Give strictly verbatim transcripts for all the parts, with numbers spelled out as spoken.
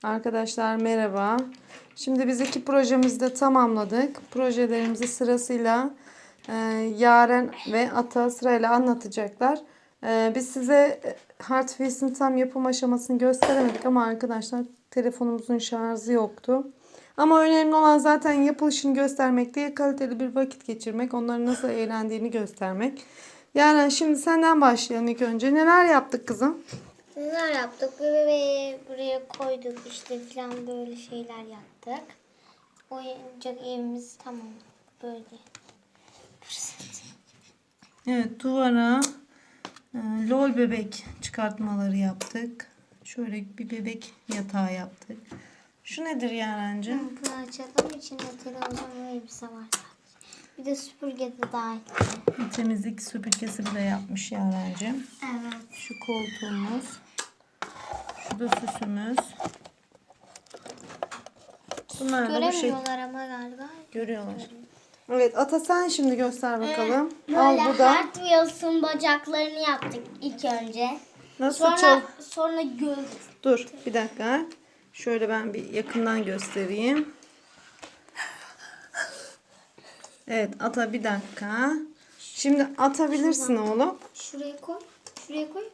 Arkadaşlar merhaba. Şimdi biz iki projemizi de tamamladık. Projelerimizi sırasıyla e, Yaren ve Ata sırayla anlatacaklar. E, biz size Heartfield'in tam yapım aşamasını gösteremedik ama arkadaşlar telefonumuzun şarjı yoktu. Ama önemli olan zaten yapılışını göstermek değil, kaliteli bir vakit geçirmek, onların nasıl eğlendiğini göstermek. Yaren, şimdi senden başlayalım ilk önce. Neler yaptık kızım? Neler yaptık? Bebeği buraya koyduk işte falan böyle şeyler yaptık. Oyuncak evimiz tamam böyle. Evet, duvara e, lol bebek çıkartmaları yaptık. Şöyle bir bebek yatağı yaptık. Şu nedir Yaren'cim? Bunu açalım. İçinde televizyon ve elbise var sadece. Bir de süpürge de dahil. Bir temizlik süpürgesi bile yapmış Yaren'cim. Evet. Şu koltuğumuz. Şu da süsümüz. Bunlar da bu şey. Göremiyorlar ama galiba. Görüyorlar. Evet, Ata sen şimdi göster bakalım. Böyle Al bu da. Hot Wheels'ın bacaklarını yaptık ilk önce. Nasıl Sonra çal? sonra göz. Dur bir dakika. Şöyle ben bir yakından göstereyim. Evet, Ata bir dakika. Şimdi atabilirsin oğlum. Şuraya koy. Şuraya koy.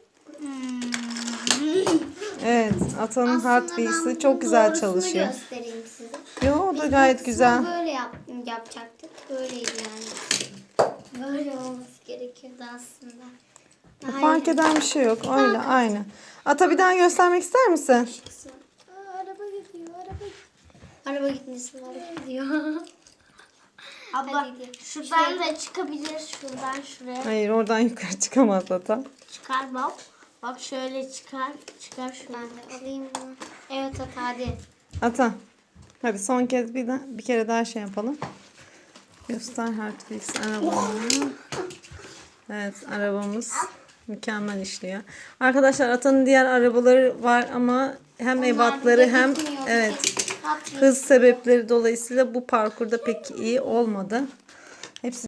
Evet, Ata'nın Hot Wheels'ı çok güzel çalışıyor. Göstereyim size. Yo, o da gayet güzel. Böyle yap, yapacaktık. Böyleydi yani. Böyle olması gerekiyordu aslında. Daha Fark iyi. eden bir şey yok. Öyle aynı. Ata bir daha göstermek ister misin? Aa, araba gidiyor. Araba gidiyor. Araba gitmesin. Araba gidiyor. Abla şuradan da çıkabilir. Şuradan şuraya. Hayır, oradan yukarı çıkamaz Ata. Çıkar bak. Bak şöyle çıkar. Çıkar şunu. Ben de alayım bunu. Evet at hadi. Ata. Hadi son kez bir, daha, bir kere daha şey yapalım. Göster Hot Wheels arabamı. Evet, arabamız mükemmel işliyor. Arkadaşlar Ata'nın diğer arabaları var ama hem Onlar ebatları burada hem gitmiyor. evet Hot Wheels. hız sebepleri dolayısıyla bu parkurda pek iyi olmadı. Hepsi